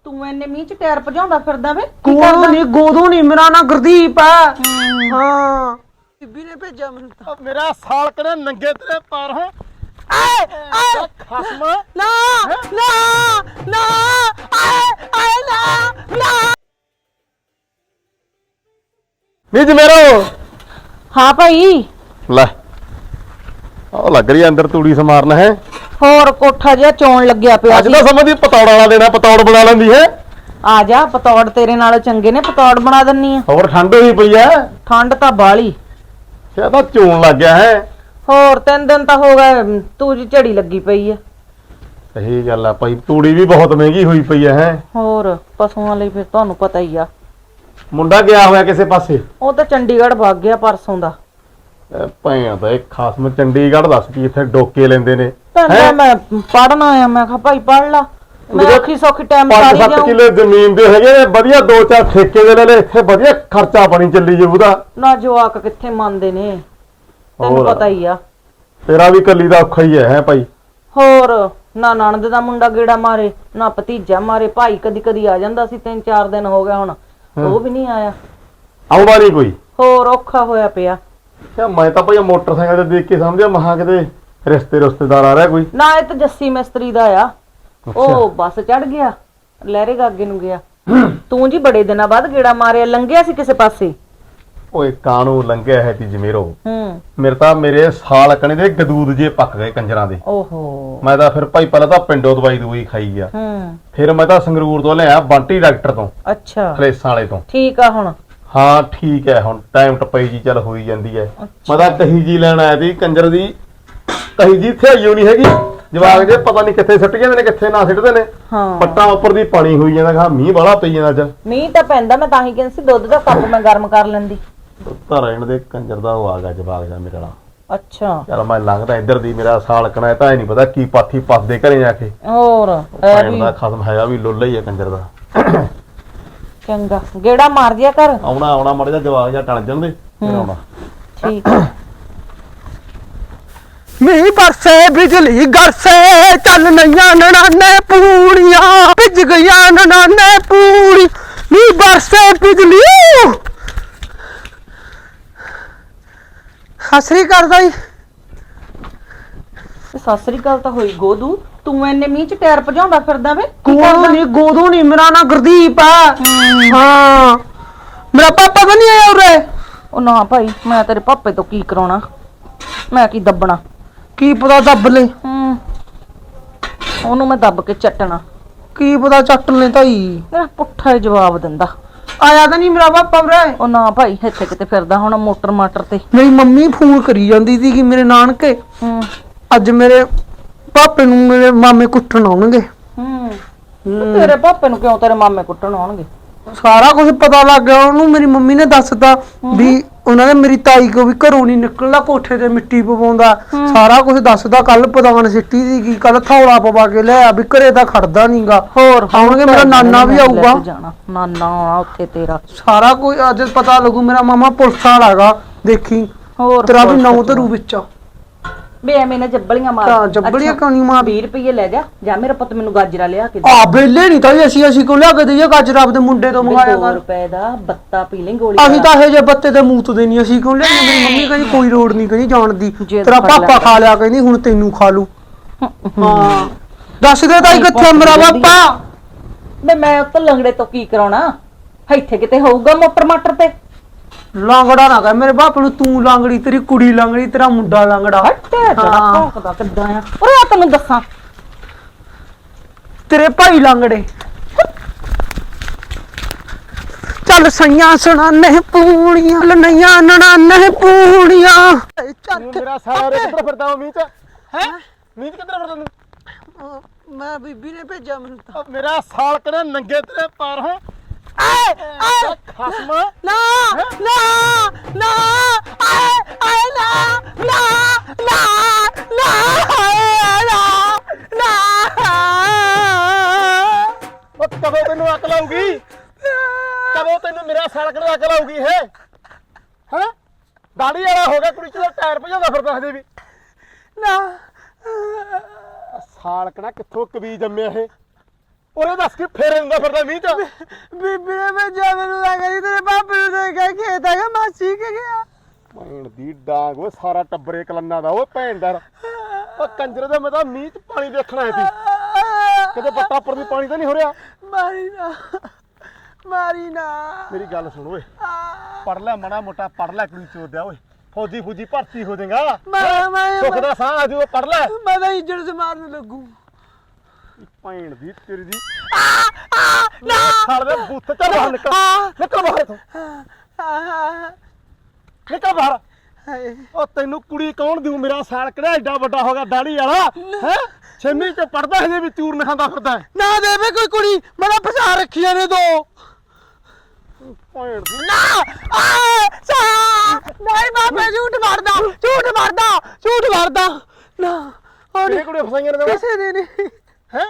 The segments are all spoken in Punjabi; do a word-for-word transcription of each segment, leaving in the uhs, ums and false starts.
ਤੂੰ ਇੰਨੇ ਮੀਂਹ ਚ ਟਾਇਰ ਭਜਾਉਂਦਾ ਫਿਰਦਾ ਵੇ? ਕੋਦੋਂ ਨਹੀਂ ਗੋਦੋਂ ਨਹੀਂ, ਮੇਰਾ ਨਾਂ ਗੁਰਦੀਪ ਆ। ਹਾਂ ਬੀਬੀ ਨੇ ਭੇਜਿਆ ਮੈਨੂੰ ਤਾਂ। ਮੇਰਾ ਸਾਲ ਕਰੇ ਨੰਗੇ ਤੇਰੇ ਪੈਰ ਹੋ ਆਏ ਆਏ ਖਸਮ ਨਾ ਨਾ ਨਾ ਆਏ ਆਏ ਨਾ ਨਾ ਨਿਜ ਮੇਰੋ। ਹਾਂ ਭਾਈ। ਲੈ ਉਹ ਲੱਗ ਰਹੀ ਅੰਦਰ ਤੂੜੀ ਸਮਾਰਨ ਹੈ। ਹੋਰ ਕੋਠਾ ਜਿਹਾ ਚੋਣ ਲੱਗਿਆ ਪਿਆ ਅੱਜ ਸੀ। ਤਾਂ ਸਮਝਦੀ ਪਤੌੜ ਵਾਲਾ ਦੇਣਾ, ਪਤੌੜ ਬਣਾ ਲੈਂਦੀ ਹੈ। ਆ ਜਾ, ਪਤੌੜ ਤੇਰੇ ਨਾਲ ਚੰਗੇ ਨੇ, ਪਤੌੜ ਬਣਾ ਦਿੰਨੀ ਆ। ਹੋਰ ਠੰਡ ਹੋਈ ਪਈ ਐ। ਠੰਡ ਤਾਂ ਬਾਲੀ। ਇਹ ਤਾਂ ਚੋਣ ਲੱਗ ਗਿਆ ਹੈ। ਹੋਰ ਤਿੰਨ ਦਿਨ ਤਾਂ ਹੋ ਗਏ ਤੂੰ ਜੀ ਝੜੀ ਲੱਗੀ ਪਈ ਆ। ਸਹੀ ਗੱਲ ਆ ਭਾਈ, ਤੂੜੀ ਵੀ ਬਹੁਤ ਮਹਿੰਗੀ ਹੋਈ ਪਈ ਐ ਹੈ। ਹੋਰ ਪਸ਼ੂਆਂ ਲਈ ਫਿਰ ਤੁਹਾਨੂੰ ਪਤਾ ਹੀ ਆ। ਮੁੰਡਾ ਗਿਆ ਹੋਇਆ ਕਿਸੇ ਪਾਸੇ। ਉਹ ਤਾਂ ਚੰਡੀਗੜ੍ਹ ਭੱਗ ਗਿਆ ਪਰਸੋਂ ਦਾ। ਭਾਈਆਂ ਤਾਂ ਇਹ ਖਾਸਮ ਚੰਡੀਗੜ੍ਹ ਦੱਸ ਕੀ ਇੱਥੇ ਡੋਕੇ ਲੈਂਦੇ ਨੇ। ਤਾਂ ਮੈਂ ਪੜਨ ਆਇਆ, ਮੈਂ ਕਿਹਾ ਭਾਈ ਪੜ ਲਾ। ਮੈਂ ਔਖੀ ਸੌਖੀ ਟਾਈਮ ਪੰਜ ਸਾਰੀ ਸੱਤ ਜਾਊਂ। ਕਿੱਲੇ ਜ਼ਮੀਨ ਦੇ ਹੈਗੇ ਨੇ, ਵਧੀਆ ਦੋ ਚਾਰ ਠੇਕੇ ਦੇ ਲੈ ਲੈ, ਇੱਥੇ ਵਧੀਆ ਖਰਚਾ ਪਾਣੀ ਚੱਲੀ ਜਾਊ ਉਹਦਾ। ਨਾ ਜਵਾਕ ਕਿੱਥੇ ਮੰਨਦੇ ਨੇ, ਤੈਨੂੰ ਹੋਰ। ਪਤਾ ਹੀ ਆ। ਤੇਰਾ ਵੀ ਕੱਲੀ ਦਾ ਔਖਾ ਹੀ ਹੈ ਹੈ ਭਾਈ। ਹੋਰ ਨਾ ਨਣਦ ਦਾ ਮੁੰਡਾ ਗੇੜਾ ਮਾਰੇ, ਨਾ ਭਤੀਜਾ ਮਾਰੇ। ਭਾਈ ਕਦੀ ਕਦੀ ਆ ਜਾਂਦਾ ਸੀ, ਤਿੰਨ ਚਾਰ ਦਿਨ ਹੋ ਗਿਆ ਹੁਣ ਉਹ ਵੀ ਨਹੀਂ ਆਇਆ। ਆਉਂਦਾ ਨਹੀਂ ਕੋਈ। ਹੋਰ ਔਖਾ ਹੋਇਆ ਪਿਆ। ਕਿਆ ਮੈਂ ਤਾਂ ਭਾਈ ਮੋਟਰਸਾਈਕਲ ਤੇ ਦੇਖ ਕੇ ਸਮਝਿਆ ਮਹਾ ਕਿਤੇ ਰਿਸ਼ਤੇ ਰਿਸ਼ਤੇਦਾਰ ਆ ਰਿਹਾ ਕੋਈ। ਨਾ ਇਹ ਤਾਂ ਜੱਸੀ ਮਿਸਤਰੀ ਦਾ ਆ। ਉਹ ਬੱਸ ਚੜ ਗਿਆ, ਲਹਿਰੇ ਗਾਗੇ ਨੂੰ ਗਿਆ। ਤੂੰ ਜੀ ਬੜੇ ਦਿਨਾਂ ਬਾਅਦ ਗੇੜਾ ਮਾਰਿਆ, ਲੰਘਿਆ ਸੀ ਕਿਸੇ ਪਾਸੇ? ਓਏ ਕਾਣੂ ਲੰਘਿਆ ਹੈ ਤੀ ਜਮੇਰੋ। ਹੂੰ ਮੇਰੇ ਤਾਂ ਮੇਰੇ ਸਾਲ ਕਣੇ ਦੇ ਗਦੂਦ ਜੇ ਪੱਕ ਗਏ ਕੰਜਰਾਂ ਦੇ। ਓਹੋ। ਮੈਂ ਤਾਂ ਫਿਰ ਭਾਈ ਪਹਿਲਾਂ ਤਾਂ ਪਿੰਡੋਂ ਦਵਾਈ ਦਵਾਈ ਖਾਈ ਗਿਆ। ਹੂੰ ਫਿਰ ਮੈਂ ਤਾਂ ਸੰਗਰੂਰ ਤੋਂ ਲਿਆ ਬੰਟੀ ਡਾਕਟਰ ਤੋਂ, ਅੱਛਾ ਖਲੇਸਾਂ ਵਾਲੇ ਤੋਂ। ਠੀਕ ਆ ਹੁਣ? ਹਾਂ ਠੀਕ ਹੈ, ਹੁਣ ਟਾਈਮ ਟਪਈ ਜੀ ਚੱਲ ਹੋਈ ਜਾਂਦੀ ਹੈ। ਮੈਂ ਤਾਂ ਕਹੀ ਜੀ ਲੈਣ ਆਇਆ ਸੀ ਕੰਜਰ ਦੀ, ਕਹੀ ਜੀ ਇੱਥੇ ਆਈਓ ਨਹੀਂ ਹੈਗੀ। ਜਵਾਕ ਜੇ ਪਤਾ ਨਹੀਂ ਕਿੱਥੇ ਸਿੱਟ ਜਾਂਦੇ ਨੇ ਕਿੱਥੇ ਨਾ ਸਿੱਟਦੇ ਨੇ। ਹਾਂ ਪੱਟਾਂ ਉੱਪਰ ਦੀ ਪਾਣੀ ਹੋਈ ਜਾਂਦਾ, ਕਹਾ ਮੀਂਹ ਬਾਹਲਾ ਪਈ ਜਾਂਦਾ ਅੱਜ। ਮੀਂਹ ਤਾਂ ਪੈਂਦਾ, ਮੈਂ ਤਾਂ ਹੀ ਕਹਿੰਦੀ ਸੀ ਦੁੱਧ ਦਾ ਕੱਪ ਮੈਂ ਗਰਮ ਕਰ ਲੈਂਦੀ। ਤਾਂ ਰਹਿਣ ਦੇ ਕੰਜਰ ਦਾ ਉਹ ਆ ਗਿਆ ਜਵਾਕ ਜਾ ਮੇਰੇ ਨਾਲ। ਅੱਛਾ ਚਲ ਮੈਂ ਲੰਘਦਾ ਇੱਧਰ ਦੀ, ਮੇਰਾ ਸਾਲ ਕਣਾ ਤਾਂ ਇਹ ਨਹੀਂ ਪਤਾ ਕੀ ਪਾਥੀ ਪੱਸਦੇ ਘਰੇ ਜਾ ਕੇ। ਹੋਰ ਇਹ ਭੈਣ ਵੀ ਦਾ ਖਸਮ ਹੈਗਾ ਵੀ ਲੁੱਲਾ ਹੀ ਹੈ ਕੰਜਰ ਦਾ। ਚੰਗਾ ਗੇੜਾ ਮਾਰ ਦਿਆ ਕਰ। ਆਉਣਾ ਆਉਣਾ ਮੜ ਜਾ, ਜਵਾਕ ਜਾ ਟਲ ਜਾਂਦੇ ਫਿਰ ਆਉਣਾ। ਠੀਕ ਮੀਂਹ ਬਰਸੇ ਬਿਜਲੀ ਗਰਸੇ, ਚੱਲ ਨਈਆਂ ਨਣਾਨੇ ਪੂੜੀਆਂ, ਭਿੱਜ ਗਈਆਂ ਨਣਾਨੇ ਪੂੜੀ। ਮੀਂਹ ਬਰਸੇ ਬਿਜਲੀ ਹਸਰੀ ਕਰਦਾ ਹੀ। ਸਤਿ ਸ੍ਰੀ ਅਕਾਲ ਤਾਂ ਹੋਈ ਗੋਦੂ। ਤੂੰ ਇੰਨੇ ਮੀਂਹ ਚ ਟਾਇਰ ਭਜਾਉਂਦਾ ਫਿਰਦਾ ਵੇ? ਕੋਦੋਂ ਨਹੀਂ ਗੋਦੋਂ ਨਹੀਂ, ਮੇਰਾ ਨਾਂ ਗੁਰਦੀਪ ਆ। ਹਾਂ ਮੇਰਾ ਪਾਪਾ ਤਾਂ ਨਹੀਂ ਆਇਆ ਉਰੇ? ਉਹ ਨਾ ਭਾਈ, ਮੈਂ ਤੇਰੇ ਪਾਪੇ ਤੋਂ ਕੀ ਕਰਾਉਣਾ, ਮੈਂ ਕੀ ਦੱਬਣਾ। ਕੀ ਪਤਾ ਦੱਬ ਲੈ। ਹੂੰ ਉਹਨੂੰ ਮੈਂ ਦੱਬ ਕੇ ਚੱਟਣਾ। ਕੀ ਪਤਾ ਚੱਟ ਲੈ ਤਾਈ। ਮੇਰਾ ਪੁੱਠਾ ਹੀ ਜਵਾਬ ਦਿੰਦਾ। ਆਇਆ ਤਾਂ ਨਹੀਂ ਮੇਰਾ ਪਾਪਾ ਉਰੇ? ਉਹ ਨਾ ਭਾਈ, ਇੱਥੇ ਕਿਤੇ ਫਿਰਦਾ ਹੁਣ ਮੋਟਰ ਮਾਟਰ ਤੇ। ਮੇਰੀ ਮੰਮੀ ਫੋਨ ਕਰੀ ਜਾਂਦੀ ਸੀ ਕਿ ਮੇਰੇ ਨਾਨਕੇ ਹੂੰ ਅੱਜ ਮੇਰੇ ਪਾਪੇ ਨੂੰ ਮੇਰੇ ਮਾਮੇ ਕੁੱਟਣ ਆਉਣਗੇ। ਹੂੰ ਤੇਰੇ ਪਾਪੇ ਨੂੰ ਕਿਉਂ ਤੇਰੇ ਮਾਮੇ ਕੁੱਟਣ ਆਉਣਗੇ? ਸਾਰਾ ਕੁਝ ਪਤਾ ਲੱਗ ਗਿਆ ਉਹਨੂੰ। ਮੇਰੀ ਮੰਮੀ ਨੇ ਦੱਸਤਾ ਵੀ ਉਹਨਾਂ ਨੇ ਮੇਰੀ ਤਾਈ ਕੋ ਵੀ ਘਰੋਂ ਨਹੀਂ ਨਿਕਲਦਾ, ਕੋਠੇ ਤੇ ਮਿੱਟੀ ਪਵਾਉਂਦਾ। ਸਾਰਾ ਕੁਝ ਦੱਸਦਾ। ਕੱਲ ਪਤਾਣ ਸਿੱਟੀ ਸੀ ਕਿ ਕੱਲ ਥੌਲਾ ਪਵਾ ਕੇ ਲਿਆ ਵੀ ਘਰੇ ਤਾਂ ਖੜਦਾ ਨਹੀਂਗਾ। ਹੋਰ ਆਉਣਗੇ, ਮੇਰਾ ਨਾਨਾ ਵੀ ਆਊਗਾ। ਜਾਣਾ ਨਾਨਾ ਆਉਣਾ ਉੱਥੇ ਤੇਰਾ। ਸਾਰਾ ਕੁਝ ਅੱਜ ਪਤਾ ਲੱਗੂ। ਮੇਰਾ ਮਾਮਾ ਪੁਲਿਸ ਵਾਲਾ ਹੈਗਾ, ਦੇਖੀ ਹੋਰ ਤੇਰਾ ਵੀ ਨੌ ਧਰੂ ਵਿੱਚ। ਬੇ ਐਵੇਂ ਨਾ ਜੱਬਲੀਆਂ ਮਾਰ। ਤਾਂ ਜੱਬਲੀਆਂ ਕਿਉਂ ਨਹੀਂ ਮਾਰ? ਵੀਹ ਰੁਪਏ ਲੈ ਜਾ, ਜਾਂ ਮੇਰਾ ਪੁੱਤ ਮੈਨੂੰ ਗਾਜਰਾ ਲਿਆ ਕੇ ਦੇ। ਆ ਬੇਲੇ ਨਹੀਂ ਤਾਂ ਅਸੀਂ ਅਸੀਂ ਕੋ ਲਿਆ ਕੇ ਦਈਏ ਗਾਜਰ ਆਪਦੇ ਮੁੰਡੇ ਤੋਂ ਮੰਗਾਇਆ ਦੋ ਕਰ। ਰੁਪਏ ਦਾ ਬੱਤਾ ਪੀ ਲੈ ਗੋਲੀ। ਅਸੀਂ ਤਾਂ ਇਹ ਜੇ ਬੱਤੇ ਤੇ ਮੂਤ ਦੇ ਨਹੀਂ ਅਸੀਂ ਕੋ ਲਿਆ। ਮੇਰੀ ਮੰਮੀ ਕਹਿੰਦੀ ਕੋਈ ਲੋੜ ਨਹੀਂ, ਕਹਿੰਦੀ ਜਾਣ ਦੀ। ਤੇਰਾ ਪਾਪਾ ਖਾ ਲਿਆ, ਕਹਿੰਦੀ ਹੁਣ ਤੈਨੂੰ ਖਾ ਲੂ। ਹਾਂ ਦੱਸ ਦੇ ਤਾਈ ਕਿੱਥੇ ਮੇਰਾ ਪਾਪਾ? ਬੇ ਮੈਂ ਉੱਤੇ ਲੰਗੜੇ ਤੋਂ ਕੀ ਕਰਾਉਣਾ, ਇੱਥੇ ਕਿਤੇ ਹੋਊਗਾ ਮੋਟਰ ਮਾਟਰ ਤੇ। ਲਾਂਗੜਾ ਨਾ ਕਹਿ ਮੇਰੇ ਬਾਪ ਨੂੰ, ਤੂੰ ਲਾਂਗੜੀ, ਤੇਰੀ ਕੁੜੀ ਲਾਂਗੜੀ, ਤੇਰਾ ਮੁੰਡਾ ਲਾਂਗੜਾ। ਹੱਟੇ ਤੇਰਾ ਭੌਂਕਦਾ ਕਿੱਦਾਂ ਆ। ਓਏ ਆ ਤੈਨੂੰ ਦੱਸਾਂ, ਤੇਰੇ ਭਾਈ ਲਾਂਗੜੇ। ਚੱਲ ਸਈਆਂ ਸੁਣਾਨੇ ਪੂੜੀਆਂ, ਨਈਆਂ ਨਣਾਨੇ ਪੂੜੀਆਂ। ਮੇਰਾ ਸਾਲਾ ਕਿੱਧਰ ਫਿਰਦਾ ਮੀਂਹ ਚ ਹੈ? ਮੀਂਹ ਚ ਕਿੱਧਰ ਫਿਰਦਾ ਤੂੰ? ਮੈਂ ਬੀਬੀ ਨੇ ਭੇਜਿਆ ਮੈਨੂੰ ਤਾਂ। ਮੇਰਾ ਸਾਲ ਕਣੇ ਨੰਗੇ ਤੇਰੇ ਪੈਰ ਹੋ ਆਏ ਆਏ ਖਸਮ ਨਾ ਨਾ ਨਾ ਆਏ ਆਏ ਨਾ ਨਾ ਨਾ ਨਾ ਆਏ ਨਾ ਨਾ। ਉਹ ਕਦੋਂ ਤੈਨੂੰ ਅਕਲ ਆਊਗੀ? ਕਦੋਂ ਤੈਨੂੰ ਮੇਰਾ ਸਾਲ ਕਣੇ ਅਕਲ ਆਊਗੀ? ਹੈ ਹੈ ਦਾੜੀ ਵਾਲਾ ਹੋ ਗਿਆ, ਕੁੜੀ ਚ ਟਾਇਰ ਭਜਾਉਂਦਾ ਫਿਰਦਾ ਹਜੇ ਵੀ। ਨਾ ਸਾਲ ਕਣਾ ਕਿੱਥੋਂ ਕਬੀ ਜੰਮਿਆ ਇਹ? ਉਹਨੇ ਦੱਸ ਕੇ ਫੇਰ ਹੁੰਦਾ ਫਿਰਦਾ ਮੀਂਹ ਚ। ਬੀਬੀ ਨੇ ਭੇਜਿਆ ਮੈਨੂੰ ਲੱਗਾ ਜੀ ਤੇਰੇ ਪਾਪੇ ਨੂੰ ਦੇਖ ਕੇ ਖੇਤ ਹੈਗਾ ਮਾਸੀ ਕੇ ਗਿਆ। ਭੈਣ ਦੀ ਡਾਂਗ ਓਏ ਸਾਰਾ ਟੱਬਰੇ ਕਲੰਨਾ ਦਾ ਓਏ ਭੈਣ ਦਾ ਓ ਕੰਜਰ ਦਾ ਮੈਂ ਤਾਂ ਮੀਂਹ ਚ ਪਾਣੀ ਦੇਖਣ ਆਇਆ ਸੀ ਕਿਤੇ ਬੱਟਾ ਉੱਪਰ ਦੀ ਪਾਣੀ ਤਾਂ ਨਹੀਂ ਹੋ ਰਿਹਾ। ਮਾਰੀ ਨਾ ਮਾਰੀ ਨਾ ਮੇਰੀ ਗੱਲ ਸੁਣ ਓਏ ਪੜ ਲੈ ਮਾੜਾ ਮੋਟਾ ਪੜ ਲੈ ਕੁੜੀ ਚੋਦਿਆ ਓਏ ਫੌਜੀ ਫੂਜੀ ਭਰਤੀ ਹੋ ਜਾਏਗਾ ਮੈਂ ਮੈਂ ਸੁੱਖ ਦਾ ਸਾਹ ਆ ਜਾਊ ਪੜ ਲੈ। ਮੈਂ ਤਾਂ ਇੱਜੜ ਸੇ ਮਾਰਨ ਲੱਗੂ। ਭੈਣ ਦੀ ਤੇਰੀ ਦੀ ਨਾ ਛੱਡ ਦੇ ਬੁੱਤ ਚ ਬਾਹਰ ਨਿਕਲ ਨਿਕਲ ਬਾਹਰ ਤੋਂ ਨਿਕਲ ਬਾਹਰ। ਹਾਏ ਉਹ ਤੈਨੂੰ ਕੁੜੀ ਕੌਣ ਦਿਉ ਮੇਰਾ ਸਾਲ ਕਿਹੜਾ ਐਡਾ ਵੱਡਾ ਹੋ ਗਿਆ ਦਾੜੀ ਵਾਲਾ ਹੈ ਛੇਵੀਂ ਚ ਪੜਦਾ ਹਜੇ ਵੀ ਚੂਰਨ ਖਾਂਦਾ ਫਿਰਦਾ ਨਾ ਦੇਵੇ ਕੋਈ ਕੁੜੀ ਮੈਂ ਤਾਂ ਫਸਾ ਰੱਖੀਆਂ ਨੇ ਦੋ। ਭੈਣ ਦੀ ਨਾ ਆ ਸਾ ਨਹੀਂ ਬਾਬੇ ਝੂਠ ਮਾਰਦਾ ਝੂਠ ਮਾਰਦਾ ਝੂਠ ਮਾਰਦਾ ਨਾ ਕਿਹੜੇ ਕੁੜੀ ਫਸਾਈਆਂ ਨੇ ਕਿਸੇ ਦੇ ਨਹੀਂ ਹੈ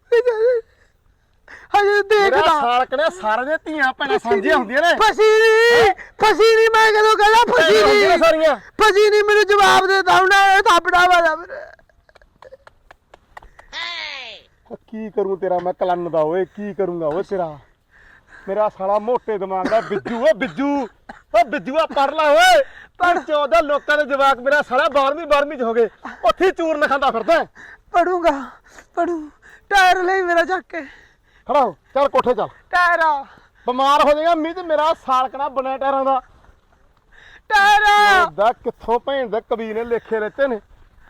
ਹਜੇ ਮੇਰਾ ਦੇਖਦਾ ਸਾਲ ਕਿਹੜਾ ਸਾਰਿਆਂ ਦੀਆਂ ਧੀਆਂ ਭੈਣਾਂ ਸਾਂਝੀਆਂ ਹੁੰਦੀਆਂ ਨੇ ਫਸੀ ਨਹੀਂ ਫਸੀ ਨਹੀਂ ਮੈਂ ਕਦੋਂ ਕਹਿੰਦਾ ਫਸੀ ਭੈਣਾਂ ਹੁੰਦੀਆਂ ਨਹੀਂ ਨੇ ਸਾਰੀਆਂ। ਫਸੀ ਨਹੀਂ ਮੈਨੂੰ ਜਵਾਬ ਦੇ ਤਾ ਉਹਨੇ ਥਾਪੜਾ ਵਾਲਾ ਮੇਰੇ। ਕੀ ਕਰੂੰ ਤੇਰਾ ਮੈਂ ਕਲੰਨ ਦਾ ਓਏ ਕੀ ਕਰੂੰਗਾ ਓਏ ਤੇਰਾ ਮੇਰਾ ਸਾਲਾ ਮੋਟੇ ਦਿਮਾਗ ਦਾ ਬਿੱਜੂ ਓ ਬਿੱਜੂ ਓ ਬਿੱਜੂਆ ਪੜ ਲੈ ਓਏ ਪਰ ਚੌਦਾਂ ਲੋਕਾਂ ਦੇ ਜਵਾਕ ਮੇਰਾ ਸਾਲਾ ਬਾਰਵੀਂ ਬਾਰਵੀਂ ਚ ਹੋ ਗਏ ਉੱਥੇ ਹੀ ਚੂਰਨ ਖਾਂਦਾ ਫਿਰਦਾ। ਪੜੂੰਗਾ ਪੜੂ ਟਾਇਰ ਲਈ ਮੇਰਾ ਚੱਕ ਕੇ ਖੜਾ ਹੋ ਚੱਲ ਕੋਠੇ ਚੱਲ ਟਾਇਰ ਬਿਮਾਰ ਹੋ ਜਾਏਗਾ ਮੀਂਹ ਤੇ ਮੇਰਾ ਸਾਲਕਣਾ ਬਣਿਆ ਟਾਇਰਾਂ ਦਾ ਟਾਇਰ ਦਾ ਕਿੱਥੋਂ ਭੈਣ ਦੇ ਕਬੀਰ ਨੇ ਲੇਖੇ ਲੈਤੇ ਨੇ।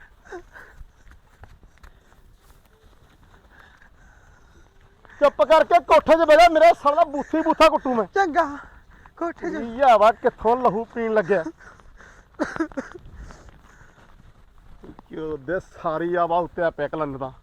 ਚੁੱਪ ਕਰਕੇ ਕੋਠੇ 'ਚ ਬਹਿ ਜਾ ਮੇਰਾ ਸਾਲਾ ਬੂਥੀ ਬੂਥਾ ਕੁੱਟੂ ਮੈਂ। ਚੰਗਾ ਕੋਠੇ ਚ ਯਾ ਵਾ ਕਿੱਥੋਂ ਲਹੂ ਪੀਣ ਲੱਗਿਆ ਕਿਉਂ ਦੇ ਸਾਰੀ ਆਵਾ ਉੱਤੇ ਪਿਆ ਕਲੰਨ ਦਾ।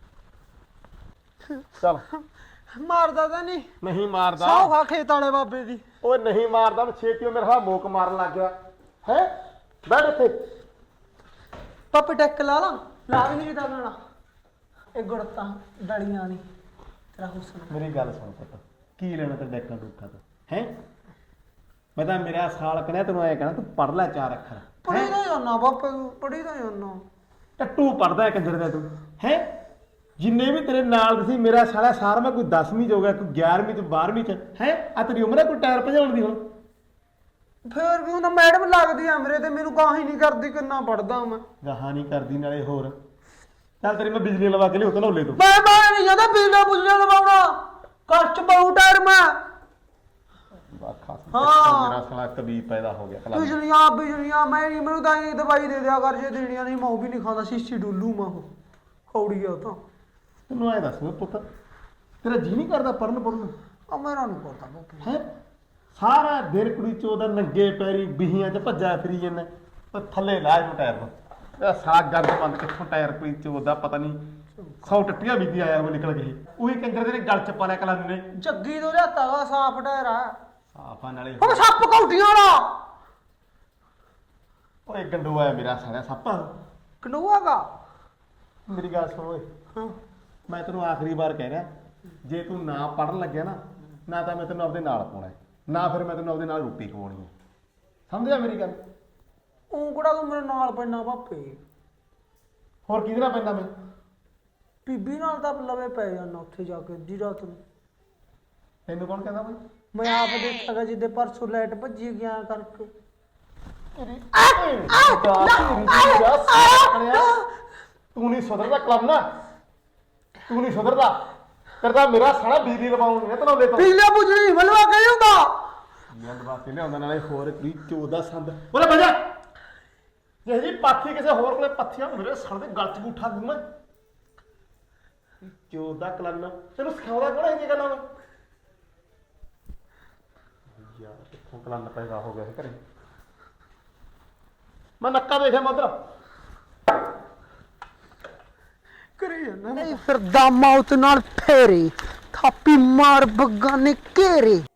ਚੱਲ ਮਾਰਦਾ ਤਾਂ ਨਹੀਂ ਨਹੀਂ ਮਾਰਦਾ ਸੌ ਖਾ ਖੇਤ ਵਾਲੇ ਬਾਬੇ ਦੀ। ਓਏ ਨਹੀਂ ਮਾਰਦਾ ਮੈਂ ਛੇਤੀ ਮੇਰੇ ਹਾਲ ਮੋਕ ਮਾਰਨ ਲੱਗ ਗਿਆ ਹੈ ਬੈਠ ਇੱਥੇ ਪੱਪ ਟੈਕ ਲਾ ਲਾ ਲਾ ਵੀ ਨਹੀਂ ਦਾ ਲੈਣਾ ਇਹ ਗੁੜਤਾ ਡਲੀਆਂ ਨਹੀਂ ਤੇਰਾ ਹੁਸਨ। ਮੇਰੀ ਗੱਲ ਸੁਣ ਪੁੱਤ ਕੀ ਲੈਣਾ ਤੇ ਡੈਕਾਂ ਡੁੱਕਾ ਤੋਂ ਹੈ ਮੈਂ ਤਾਂ ਮੇਰਾ ਸਾਲ ਕਹਣਾ ਤੈਨੂੰ ਐ ਕਹਿਣਾ ਤੂੰ ਪੜ ਲੈ ਚਾਰ ਅੱਖਰ ਪੜੀ ਦਾ ਜਾਨਾ ਬਾਪੇ ਨੂੰ ਪੜੀ ਦਾ ਜਾਨਾ ਟੱਟੂ ਪੜਦਾ ਕੰਜਰ ਦਾ ਤੂੰ ਹੈ ਜਿੰਨੇ ਵੀ ਤੇਰੇ ਨਾਲ ਤੁਸੀਂ ਮੇਰਾ ਸਾਲਾ ਸਾਰ ਮੈਂ ਕੋਈ ਦਸਵੀਂ ਚ ਹੋ ਗਿਆ ਕੋਈ ਗਿਆਰਵੀਂ ਚ ਬਾਰਵੀਂ ਚ ਹੈ ਆ ਤੇਰੀ ਉਮਰ ਹੈ ਕੋਈ ਟਾਇਰ ਭਜਾਉਣ ਦੀ ਹੁਣ। ਫੇਰ ਵੀ ਉਹਨਾਂ ਮੈਡਮ ਲੱਗਦੀ ਆ ਮੇਰੇ ਤੇ ਮੈਨੂੰ ਗਾਹ ਹੀ ਨਹੀਂ ਕਰਦੀ ਕਿੰਨਾ ਪੜਦਾ ਮੈਂ। ਗਾਹਾਂ ਨਹੀਂ ਕਰਦੀ ਨਾਲੇ ਹੋਰ ਚੱਲ ਤੇਰੀ ਮੈਂ ਬਿਜਲੀ ਲਵਾ ਕੇ ਲਿਓ ਧਨੌਲੇ ਤੋਂ। ਮੈਂ ਬਾਹਰ ਨਹੀਂ ਜਾਂਦਾ ਬਿਜਲੀ ਬੁਜਲੀ ਲਵਾਉਣਾ ਕਸ਼ਟ ਬਹੁ ਟਾਇਰ ਮੈਂ ਵਾਖਾ ਹਾਂ। ਮੇਰਾ ਸਾਲਾ ਕਬੀ ਪੈਦਾ ਹੋ ਗਿਆ ਕਲਾ ਬਿਜਲੀਆਂ ਬਿਜਲੀਆਂ ਮੈਂ ਨਹੀਂ ਮੈਨੂੰ ਤਾਂ ਇਹ ਦਵਾਈ ਦੇ ਦਿਆ ਕਰ ਜੇ ਦੇਣੀਆਂ ਨਹੀਂ ਮੈਂ ਉਹ ਵੀ ਨਹੀਂ ਖਾਂਦਾ ਸ਼ੀਸ਼ੀ ਡੁੱਲੂ ਮੈਂ ਉਹ ਖੌੜੀ ਆ ਉਹ ਤਾਂ। ਤੈਨੂੰ ਐ ਦੱਸ ਪੁੱਤ ਤੇਰਾ ਜੀ ਨਹੀਂ ਕਰਦਾ ਪੜਨ ਪੜਨ ਆ ਮੇਰਾ ਨਹੀਂ ਕਰਦਾ ਬਾਪੇ ਹੈ ਸਾਰਾ ਦਿਨ ਕੁੜੀ ਚੋਦਾ ਨੰਗੇ ਪੈਰੀ ਬਿਹੀਆਂ 'ਚ ਭੱਜਾ ਫਿਰੀ ਜਾਂਦਾ ਉਹ ਥੱਲੇ ਲਾ ਇਹਨੂੰ ਟਾਇਰ ਨੂੰ ਇਹ ਸਾਗ ਗੰਦ ਬੰਦ ਕਿੱਥੋਂ ਟਾਇਰ ਕੁੜੀ ਚੋਦਾ ਪਤਾ ਨਹੀਂ ਸੌ ਟੱਟੀਆਂ ਬੀਤੀ ਆਇਆ ਉਹ ਨਿਕਲ ਗਏ ਉਹੀ ਕੰਜਰ ਦੇ ਗਲ 'ਚ ਪਾ ਲਿਆ ਕਲੰਨ ਨੇ ਜੱਗੀ ਤੋਂ ਲਿਆਤਾ ਵਾ ਸਾਫ ਟਾਇਰ ਆ ਸਾਫਾਂ ਨਾਲੇ ਉਹ ਸੱਪ ਕੌਟੀਆਂ ਵਾਲਾ ਓਏ ਗੰਡੂ ਆਇਆ ਮੇਰਾ ਸਾਲਿਆ ਸੱਪ ਕਨੂਆਗਾ ਮੇਰੀ ਗੱਲ ਸੁਣ ਓਏ ਹਾਂ ਮੈਂ ਤੈਨੂੰ ਆਖਰੀ ਵਾਰ ਕਹਿ ਰਿਹਾ ਜੇ ਤੂੰ ਨਾ ਪੜਨ ਲੱਗਿਆ ਨਾ ਨਾ ਤਾਂ ਮੈਂ ਤੈਨੂੰ ਆਪਦੇ ਨਾਲ ਪਾਉਣਾ ਨਾ ਫਿਰ ਮੈਂ ਤੈਨੂੰ ਆਪਦੇ ਨਾਲ ਰੋਟੀ ਖਵਾਉਣੀ ਹੈ ਸਮਝਿਆ ਮੇਰੀ ਗੱਲ। ਉਹ ਕਿਹੜਾ ਤੂੰ ਮੇਰੇ ਨਾਲ ਪੈਣਾ ਬਾਪੇ ਹੋਰ ਕਿਹਦੇ ਨਾਲ ਪੈਂਦਾ ਮੈਂ ਬੀਬੀ ਨਾਲ ਤਾਂ ਲਵੇ ਪੈ ਜਾਣਾ ਉੱਥੇ ਜਾ ਕੇ ਅੱਧੀ ਰਾਤ ਨੂੰ। ਤੈਨੂੰ ਕੌਣ ਕਹਿੰਦਾ ਬਈ ਮੈਂ ਆਪ ਦੇਖਾਂਗਾ ਜਿੱਦੇ ਪਰਸੋਂ ਲਾਈਟ ਭੱਜੀ ਗਿਆ ਕਰਕੇ। ਤੂੰ ਨਹੀਂ ਸੁਧਰਦਾ ਕਲਮ ਨਾ ਤੂੰ ਨਹੀਂ ਸੁਧਰਦਾ ਕਰਦਾ ਮੇਰਾ ਸਾਲਾ ਬਿਜਲੀ ਲਵਾਉਣ ਨਹੀਂ ਤਨੌਲੇ ਤੋਂ ਪੀਲਾ ਬੁਝਣੀ ਮਲਵਾ ਕੇ ਹੁੰਦਾ ਯਾਰ ਵਾਸਤੇ ਲਿਆਉਂਦਾ ਨਾਲੇ ਹੋਰ ਕੋਈ ਚੋਦਾ ਸੰਦ ਬੋਲੇ ਭਜਾ ਜੇ ਜੀ ਪਾਥੀ ਕਿਸੇ ਹੋਰ ਕੋਲੇ ਪੱਥੀਆਂ ਮੇਰੇ ਸੜ ਦੇ ਗਲ ਚ ਗੂਠਾ ਦੂੰ ਮੈਂ ਚੋਦਾ ਕਲਮ ਤੈਨੂੰ ਸਿਖਾਉਂਦਾ ਕੋਣ ਇਹ ਗੱਲਾਂ ਨੂੰ ਯਾਰ ਕਿੱਥੋਂ ਕਲਮ ਪੈਦਾ ਹੋ ਗਿਆ ਇਹ ਘਰੇ ਮੈਂ ਨੱਕਾ ਦੇਖਿਆ ਮਦਰ ਕਰੀ ਜਾਂਦਾ ਨਹੀਂ ਫਿਰ ਦਾਮਾ ਉਤ ਨਾਲ ਫੇਰੇ ਥਾਪੀ ਮਾਰ ਬੱਗਾ ਨੇ ਘੇਰੇ।